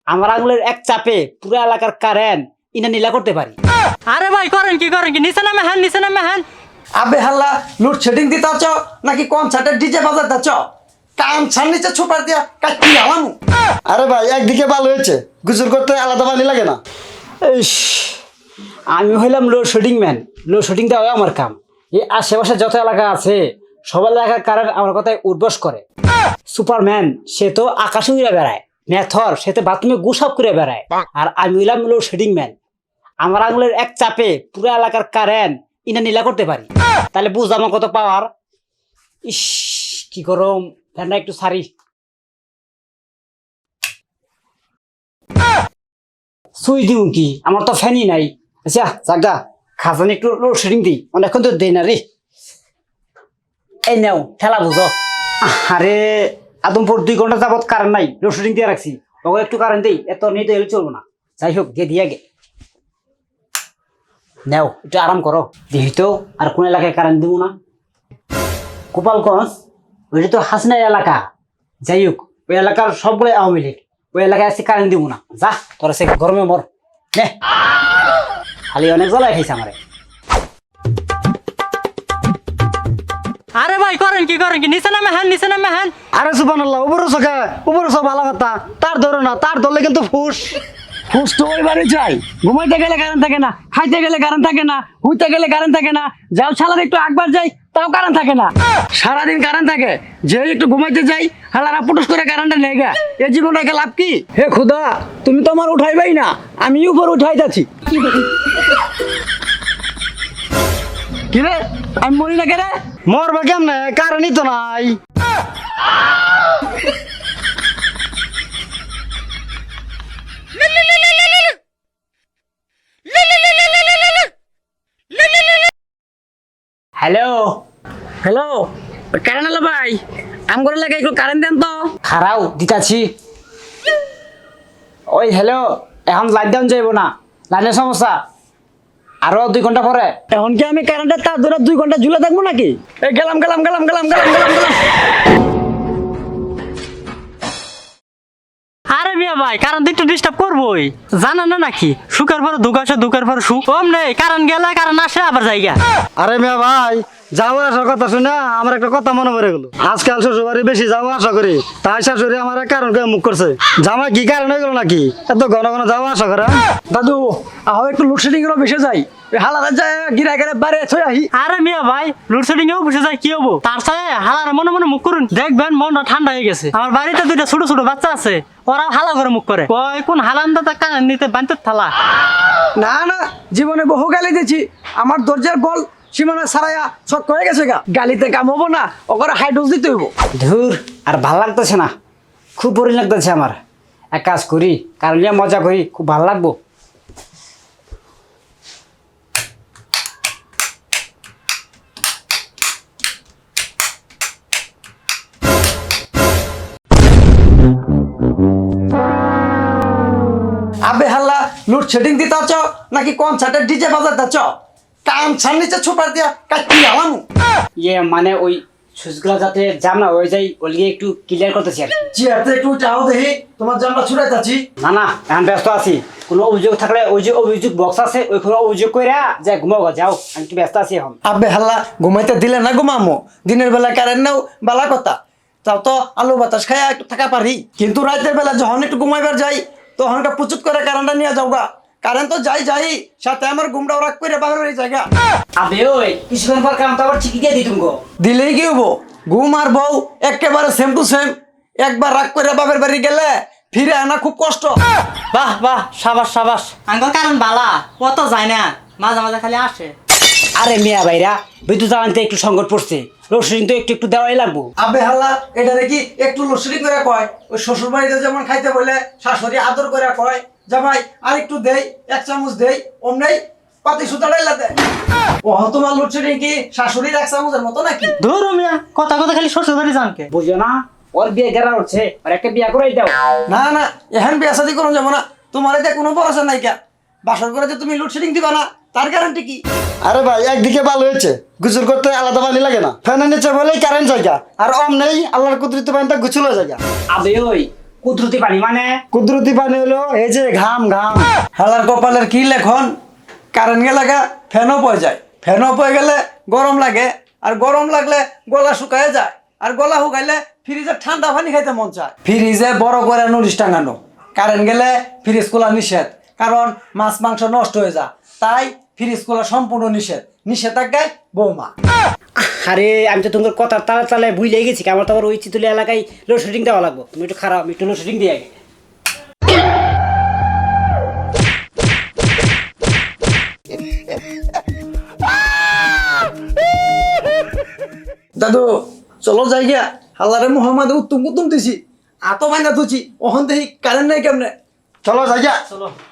আমার আঙুলের এক চাপে পুরো এলাকার কারেন্ট ইনা নীলা করতে পারি। আরে ভাই করেন কি নিচে নামে হ্যান। আবে হাল্লা লোডশেডিং দিতেছ নাকি কনসার্টের ডিজে বাজাতেছ? কান ছান নিচে ছুপার দিয়া কাটি আলাম। আরে ভাই একদিকে ভালো হয়েছে, গুজুর করতে আলাদা পানি লাগে না। ইস, আমি হইলাম লোডশেডিং ম্যান। লোডশেডিং দেওয়া আমার কাম। এই আশেপাশে যত এলাকা আছে সব এলাকার কারেন্ট আমার কথায় উদ্বাস করে। সুপারম্যান সে তো আকাশে উড়ে বেড়ায়, ম্যাথর সে তো বাথরুমে গুসাপ করে বেড়ায়, আর আমি হইলাম লোডশেডিং ম্যান। আমার আঙুলের এক চাপে পুরো এলাকার কারেন্ট ইনা নীলা করতে পারি। তাহলে বুঝ আমার কত পাওয়ার। ইস, কি গরম, ফ্যানটা একটু সারি। সুই দিউ কি, আমার তো ফ্যানই নাই। আচ্ছা জাগা খাজানি একটু লোডশেডিং দিই, অনেকক্ষণ তো দেই না রে। এই নাও ঠেলা বুঝো। আরে আদমপুর 2 ঘন্টা যাবত কারেন্ট নাই, লোডশেডিং দিয়ে রাখছি। ওকে একটু কারেন্ট দিই, এত নিয়ে তো এলে চলবো না। যাই হোক দিয়ে দিয়ে গে নাও, একটু আরাম করো। দেখি তো আর কোন এলাকায় কারেন্ট দিব না। গোপালগঞ্জ ওইটা তো হাসিনার এলাকা। যাই হোক ওই এলাকার সবগুলো আওয়ামী লীগ, ওই এলাকায় আসছে কারেন্ট দিব না। যা তোরা সে গরমে মর নে, খালি অনেক জ্বালায় খাইছে আমারে। আরে ভাই করেন কি নিচে নামে হ্যান। আরে সুবহানাল্লাহ, উপরে সকা উপরে সব ভালো কথা, তার ধরো না, তার ধরলে কিন্তু ফুস ফুস তো ওই বাড়ি চাই। ঘুমাইতে গেলে কারেন্ট থাকে না, খাইতে গেলে কারেন্ট থাকে না, হুইতে গেলে কারেন্ট থাকে না, যাও সালাদ একটু একবার যাই তাও কারেন্ট থাকে না, সারাদিন কারেন্ট থাকে। যে একটু ঘুমাইতে যাই হালারা পুটুস করে কারেন্টটা নেই গা, এ জীবনটাকে লাভ কি? হে খুদা, তুমি তো আমার উঠাইবাই না, আমি উপর উঠাই যাচ্ছি। কি রে, আমি মরি না কেন? মরবে কেমনে, কারেন্টই তো নাই। হ্যালো হ্যালো কারেন্ট হলো ভাই, আম করে লাগে একটু কারেন্ট দেন তো। খারাও দিতাছি। ওই হ্যালো, এখন লাইট ডাউন যাইবো না, লাইনের সমস্যা। আরো 2 ঘন্টা পরে। এখন কি আমি কারেন্টের তার ধরে 2 ঘন্টা ঝুলে থাকবো নাকি? এই গেলাম। আরে মিয়া ভাই কারেন্ট একটু ডিস্টার্ব করবোই, জানা না নাকি সুখের পর দুঃখ আসে, দুঃখের পর সুখ। কম নেই কারেন্ট গেলে কারেন্ট আসে আবার জায়গা। আরে মিয়া ভাই, যাওয়া আসার কথা শুনে আমার একটা কথা মনে পড়ে গেল। আজকাল শ্বশুরবাড়ি বেশি যাওয়া আসা করি, তাই শাশুড়ি আমার কারণ মুখ করছে। জামা কি কারণ হয়ে গেল নাকি এত ঘন ঘন যাওয়া আসা করে? দাদু আহ একটু লোডশেডিং এর বেশি যাই, হালাদা যায় গিরা গিরা বাড়ি ছয় আহি। আরে মিয়া ভাই লোডশেডিং এও বসে যায়, কি হবো? তার সাথে হালার মনে মনে মুখ করুন, দেখবেন মনটা ঠান্ডা হয়ে গেছে। আমার বাড়িতে 2টা ছোট ছোট বাচ্চা আছে, ওরা হালা করে মুখ করে, কয় কোন হালান্দা কারেন্ট নিতে বানতে থালা। না না, জীবনে বহু গালি দিয়েছি, আমার দরজার বল সীমানা ছাড়াইয়া ছক হয়ে গেছে গা। গালিতে কাম হবো না, ওকে হাই ডোজ দিতে হইব। ধুর, আর ভাল লাগতেছে না, খুব বোরিং লাগতেছে আমার। এক কাজ করি, কারণ নিয়ে মজা করি, খুব ভালো লাগবো। আবে হাল্লা লোডশেডিং দিতেছ নাকি কনসার্টের ডিজে বাজাতেছ? কান ছান নিচে ছুপার দিয়া কাটি আলাম। ইয়ে মানে ওই সুইচগুলো যাতে জাম না হয়ে যায়, ওলিয়ে একটু ক্লিয়ার করতেছি আর কি। চেয়ারতে একটু যাও দেখি, তোমার জামটা ছুটাইতাছি। না না, এখন ব্যস্ত আছি। কোনো অভিযোগ থাকলে ওই যে অভিযোগ বক্স আছে ওইখানে অভিযোগ করে যা ঘুমাও, যাও, আমি একটু ব্যস্ত আছি এখন। আবে হাল্লা ঘুমাইতে দিলে না ঘুমামো, দিনের বেলা কারেন্ট নাও বালা কথা, তাও তো আলু বাতাস খাইয়া একটু থাকা পারি, কিন্তু রাতের বেলা যখন একটু ঘুমাইবার যাই তখন একটা প্রচুর করে কারেন্টটা নিয়ে যাও গা। কারেন্ট তো যাই সাথে আমার ঘুমটাও রাখ করে বাহির হয়ে জায়গা। আবে ওই কিছুক্ষণ পর কাম তো আবার ঠিকই দিয়ে দিতুম গো। দিলেই কি হবো, ঘুম আর বউ একেবারে সেম টু সেম। একবার রাগ করে বাপের বাড়ি গেলে ফিরে আনা খুব কষ্ট। বাহ বাহ, সাবাস। আঙ্গল কারেন্ট বালা, ও তো যায় না, মাঝে মাঝে খালি আসে। আরে মিয়া ভাইরা, বিদ্যুৎ জ্বালানিতে একটু সংকট পড়ছে, লোডশেডিং তো একটু দেওয়াই লাগবো। আবে হাল্লা এটা কি একটু লোডশেডিং করে কয়? ওই শ্বশুর বাড়িতে যেমন খাইতে বলে শাশুড়ি আদর করে কয়, জামাই আর একটু দেই, 1 চামচ দেই, অমনেই পাতি সুতা ডাইলা দেয়। ও তোমার লোডশেডিং কি শাশুড়ির 1 চামচের মতো নাকি? ধরো মিয়া, কথা খালি শ্বশুর বাড়ি জানকে। বুঝো না, ওর বিয়ে গেরা উঠছে, আর একটা বিয়া করাই দাও। না না, এখন বিয়া শাদী করুন যাবো না, তোমার এতে কোনো ভরসা নাই কা। বাসর করে যে তুমি লোডশেডিং দিবা না তার গ্যারান্টি কি? আরে ভাই একদিকে ভালো হয়েছে, গুজুর করতে আলাদা পানি লাগে না, ফ্যানের নিচে বলেই কারেন্ট জায়গা, আর অম নেই আল্লাহর কুদরতি পানিটা গুছুলো জায়গা। আবে ওই কুদরতি পানি মানে কুদরতি পানি হলো এই যে ঘাম ঘাম। হালার কপালের কি লেখন কারেন্ট গেলে ফ্যানও পয়ে যায়, ফ্যানও পয়ে গেলে গরম লাগে, আর গরম লাগলে গলা শুকায় যায়, আর গলা শুকাইলে ফ্রিজে ঠান্ডা পানি খাইতে মন চায়। ফ্রিজে বড় করে নুরিশ টাঙানো, কারেন্ট গেলে ফ্রিজ খোলা নিষেধ, কারণ মাছ মাংস নষ্ট হয়ে যায়, তাই ফ্রিজ খোলা সম্পূর্ণ নিষেধ। নিষেধাজ্ঞায় বৌমা। আরে আমি তো তোমার কথার তালে তালে ভুলে গেছি, আমার তো আবার ওই চিতুলি এলাকায় লোডশেডিং দেওয়া লাগবো। তুমি একটু খারাপ, আমি একটু লোডশেডিং দিয়ে আগে। দাদু চলো যাই গিয়া, হাল্লারে মোহাম্মদ উত্তম কুতুম দিছি, আতো মাইনা তুছি, ওখান থেকে কারেন্ট নাই কেমনে, চলো যাই গিয়া। চলো।